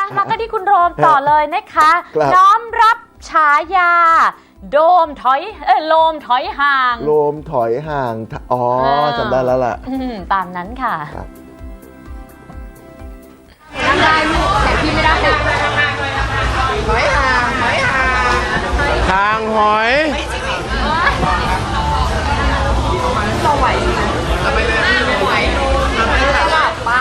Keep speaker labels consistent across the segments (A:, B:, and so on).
A: มาก็ที่คุณโรมต่อเลยนะคะ
B: ครับ
A: น้อมรับฉายา โดมถอยโลมถอยห่าง
B: โลมถอยห่างอ๋อจำได้แล้วล่ะ
A: ตามนั้นค่ะ
B: ครับ
A: นั่งได้ลูกแต่พี่ไม่ได้นะ
C: หอยห่างหอยห่างทางหอย
A: ต่อไหวไม่ไหวสลับปะ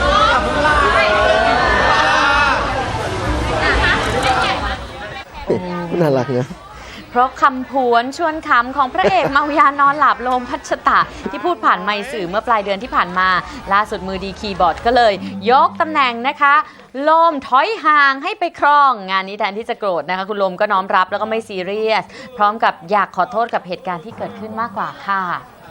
B: น่ารักนะ
A: เพราะคำผวนชวนขำของพระเอก เมายานอนหลับโลมพัชตะ ที่พูดผ่านไมค์สื่อเมื่อปลายเดือนที่ผ่านมา ล่าสุดมือดีคีย์บอร์ดก็เลย ยกตำแหน่งนะคะ โลมถอยห่างให้ไปครอง งานนี้แทนที่จะโกรธนะคะ คุณโลมก็น้อมรับแล้วก็ไม่ซีเรียส พร้อมกับอยากขอโทษกับเหตุการณ์ที่เกิดขึ้นมากกว่าค่ะ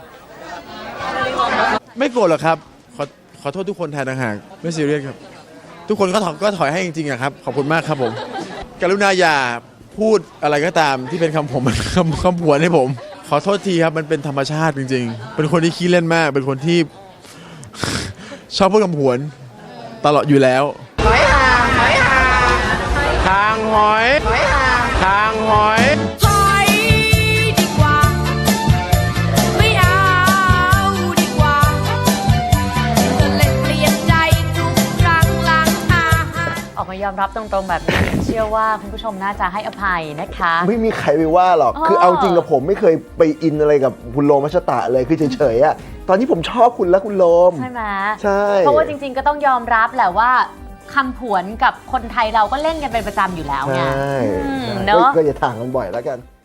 D: ไม่โกรธหรอกครับขอโทษทุกคนแทนต่างหากไม่ซีเรียสครับ ทุกคนก็ถอยให้จริงๆอะครับขอบคุณมากครับผมกรุณาอย่าพูดอะไรก็ตามที่เป็นคำผม คำผวนให้ผม ขอโทษทีครับมันเป็นธรรมชาติจริงๆ เป็นคนที่ขี้เล่นมาก เป็นคนที่ ชอบพูดคำผวนตลอดอยู่แล้ว
C: หอยห่างหอยห่างทางหอยหอยห่างทางหอย
E: ถอยดีกว่า ไม่เอาดีกว่าก็เลยเปลี่ยนใจทุกครั้งหลังอาหาร
A: ออกมายอมรับตรงๆแบบนี้ เชื่อว่าคุณผู้ชมน่าจะให้อภัยนะคะ
B: ไม่มีใครไปว่าหรอก
A: อ๋อ
B: คือเอาจริงกับผมไม่เคยไปอินอะไรกับคุณโลมมัชตะเลย คือเฉยๆอะตอนนี้ผมชอบคุณและคุณโลม
A: ใช่ไหม
B: ใช่
A: เพราะว่าจริงๆก็ต้องยอมรับแหละว่าคำผวนกับคนไทยเราก็เล่นกันเป็นประจำอยู่แล้วไง
B: ใช่
A: อืม
B: ใช่
A: เนอะ
B: ก็อย่าถ่างกันบ่อยแล้วกัน